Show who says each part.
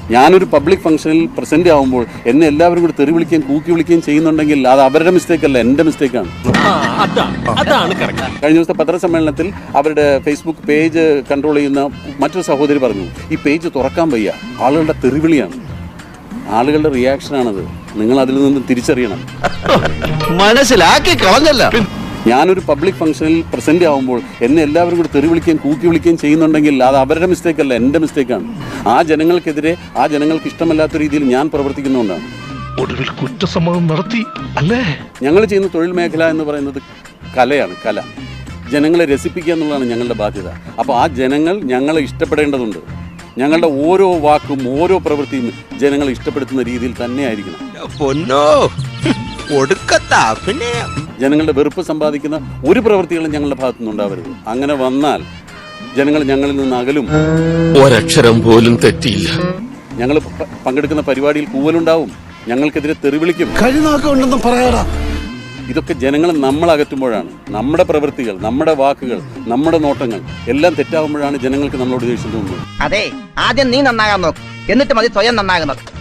Speaker 1: ഞാനൊരു പബ്ലിക് ഫംഗ്ഷനിൽ പ്രസന്റ് ആവുമ്പോൾ എന്നെ എല്ലാവരും കൂടി തെറി വിളിക്കുകയും കൂക്കി വിളിക്കുകയും ചെയ്യുന്നുണ്ടെങ്കിൽ അത് അവരുടെ മിസ്റ്റേക്ക് അല്ല, എൻ്റെ മിസ്റ്റേക്കാണ്. കഴിഞ്ഞ ദിവസത്തെ പത്രസമ്മേളനത്തിൽ അവരുടെ ഫേസ്ബുക്ക് പേജ് കൺട്രോൾ ചെയ്യുന്ന മറ്റൊരു സഹോദരി പറഞ്ഞു, ഈ പേജ് തുറക്കാൻ വയ്യ, ആളുകളുടെ തെറിവിളിയാണ്, ആളുകളുടെ റിയാക്ഷനാണത്, നിങ്ങൾ അതിൽ നിന്ന് തിരിച്ചറിയണം.
Speaker 2: മനസ്സിലാക്കി കളഞ്ഞല്ല.
Speaker 1: ഞാനൊരു പബ്ലിക് ഫംഗ്ഷനിൽ പ്രസന്റ് ആവുമ്പോൾ എന്നെ എല്ലാവരും കൂടി തെറി വിളിക്കുകയും കൂക്കി വിളിക്കുകയും ചെയ്യുന്നുണ്ടെങ്കിൽ അത് അവരുടെ മിസ്റ്റേക്ക് അല്ല, എൻ്റെ മിസ്റ്റേക്കാണ്. ആ ജനങ്ങൾക്കെതിരെ, ആ ജനങ്ങൾക്ക് ഇഷ്ടമല്ലാത്ത രീതിയിൽ ഞാൻ പ്രവർത്തിക്കുന്നതുകൊണ്ടാണ്.
Speaker 3: ഒടുവിൽ കുറ്റസമ്മതം നടത്തി അല്ലേ?
Speaker 1: ഞങ്ങൾ ചെയ്യുന്ന തൊഴിൽ മേഖല എന്ന് പറയുന്നത് കലയാണ്, കല. ജനങ്ങളെ രസിപ്പിക്കുക എന്നുള്ളതാണ് ഞങ്ങളുടെ ബാധ്യത. അപ്പോൾ ആ ജനങ്ങൾ ഞങ്ങളെ ഇഷ്ടപ്പെടേണ്ടതുണ്ട്. ഞങ്ങളുടെ ഓരോ വാക്കും ഓരോ പ്രവൃത്തിയും ജനങ്ങളെ ഇഷ്ടപ്പെടുത്തുന്ന രീതിയിൽ തന്നെ ആയിരിക്കണം. ജനങ്ങളുടെ വെറുപ്പ് സമ്പാദിക്കുന്ന ഒരു പ്രവൃത്തികളും ഞങ്ങളുടെ ഭാഗത്തു നിന്നുണ്ടാവരുത്. അങ്ങനെ വന്നാൽ ജനങ്ങൾ ഞങ്ങളിൽ നിന്ന് അകലും.
Speaker 4: ഒരക്ഷരം പോലും തെറ്റിയില്ല.
Speaker 1: ഞങ്ങൾ പങ്കെടുക്കുന്ന പരിപാടിയിൽ കൂവലുണ്ടാവും, ഞങ്ങൾക്കെതിരെ തെറിവിളിക്കും. ഇതൊക്കെ ജനങ്ങൾ നമ്മൾ അകറ്റുമ്പോഴാണ് നമ്മുടെ പ്രവൃത്തികൾ, നമ്മുടെ വാക്കുകൾ, നമ്മുടെ നോട്ടങ്ങൾ എല്ലാം തെറ്റാകുമ്പോഴാണ് ജനങ്ങൾക്ക് നമ്മളോട് ദേഷ്യം തോന്നുന്നത്.
Speaker 5: അതെ, ആദ്യം നീ നന്നാകാൻ നോക്ക്, എന്നിട്ട് മതി സ്വയം നന്നാകുന്നത്.